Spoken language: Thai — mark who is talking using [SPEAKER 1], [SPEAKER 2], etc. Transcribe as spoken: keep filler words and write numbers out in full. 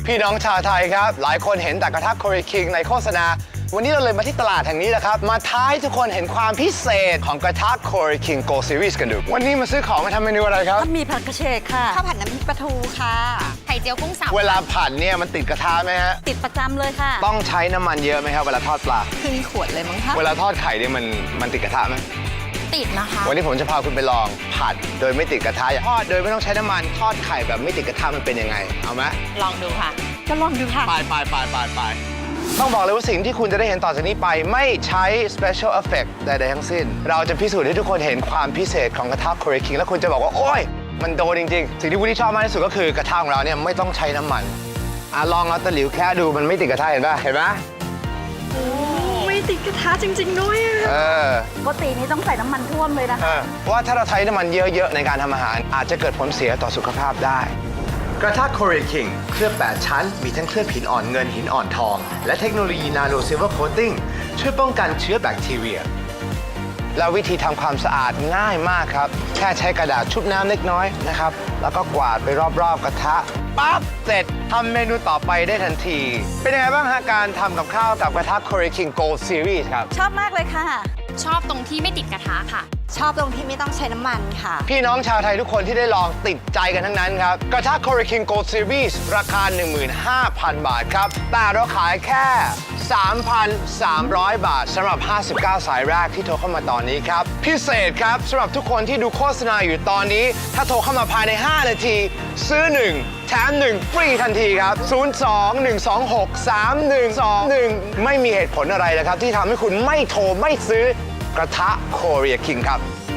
[SPEAKER 1] พี่น้องชาวไทยครับหลายคนเห็นแต่กระทะ Korea King ในโฆษณาวันนี้เราเลยมาที่ตลาดแห่งนี้แหละครับมาท้าให้ทุกคนเห็นความพิเศษของกระทะ Korea King Gold Series กันดูวันนี้มาซื้อของมาทำเมนูอะไรครับ
[SPEAKER 2] มีผัดกระเฉดค่ะข้าวผัดน้ำพริกปลาทูค่ะไข่เจียวกุ้งสับ
[SPEAKER 1] เวลาผัดเนี่ยมันติดกระทะไหมฮะ
[SPEAKER 2] ติดประจำเลยค่ะ
[SPEAKER 1] ต้องใช้น้ำมันเยอะไหมครับเวลาทอดปลา
[SPEAKER 2] ครึ่งขวดเลยมั้งคะ
[SPEAKER 1] เวลาทอดไข่เนี่ยมันมันติดกระทะไหม
[SPEAKER 2] ติดนะคะ
[SPEAKER 1] วันนี้ผมจะพาคุณไปลองผัดโดยไม่ติดกระทะทอดโดยไม่ต้องใช้น้ำมันทอดไข่แบบไม่ติดกระทะมันเป็นยังไงเอาไหม
[SPEAKER 2] ลองดูค่ะก็ลองดูค่ะ
[SPEAKER 1] ไปไปไปไปไปต้องบอกเลยว่าสิ่งที่คุณจะได้เห็นต่อจากนี้ไปไม่ใช้ special effect ใดๆทั้งสิ้นเราจะพิสูจน์ให้ทุกคนเห็นความพิเศษของกระทะ Korea King แล้วคุณจะบอกว่าโอ๊ยมันโดนจริงๆสิ่งที่วูดดี้ชอบมากที่สุดก็คือกระทะของเราเนี่ยไม่ต้องใช้น้ำมันอ่ะลองเอาตะหลิวแค่ดูมันไม่ติดกระทะเห็นป่ะเห็นป่ะ
[SPEAKER 2] ไม่ติดกระทะจริงๆด้วย
[SPEAKER 1] เออ
[SPEAKER 2] ปกตินี้ต้องใส่น้ำมันท่วมเลยนะคะ
[SPEAKER 1] เพราะว่าถ้าเราใช้น้ำมันเยอะๆในการทำอาหารอาจจะเกิดผลเสียต่อสุขภาพได้กระทะ Korea King เคลือบแปดชั้นมีทั้งเคลือบหินอ่อนเงินหินอ่อนทองและเทคโนโลยีนาโนซิลเวอร์โคตติ้งช่วยป้องกันเชื้อแบคทีเรียแล้ววิธีทำความสะอาดง่ายมากครับแค่ใช้กระดาษชุบน้ำเล็กน้อยนะครับแล้วก็กวาดไปรอบๆกระทะปั๊บเสร็จทำเมนูต่อไปได้ทันทีเป็นยังไงบ้างฮะการทำกับข้าวกับกระทะ Korea King Gold Series ครับ
[SPEAKER 2] ชอบมากเลยค่ะ
[SPEAKER 3] ชอบตรงที่ไม่ติดกระทะค่ะ
[SPEAKER 2] ชอบตรงที่ไม่ต้องใช้น้ำมันค่ะ
[SPEAKER 1] พี่น้องชาวไทยทุกคนที่ได้ลองติดใจกันทั้งนั้นครับกระทะ Korea King Gold Series ราคา หนึ่งหมื่นห้าพัน บาทครับแต่เราขายแค่ สามพันสามร้อย บาทสำหรับห้าสิบเก้าสายแรกที่โทรเข้ามาตอนนี้ครับพิเศษครับสำหรับทุกคนที่ดูโฆษณาอยู่ตอนนี้ถ้าโทรเข้ามาภายในห้านาทีซื้อหนึ่งแถมหนึ่งฟรีทันทีครับศูนย์ สอง หนึ่ง สอง หก สาม หนึ่ง สอง หนึ่งไม่มีเหตุผลอะไรเลยครับที่ทำให้คุณไม่โทรไม่ซื้อกระทะ Korea King ครับ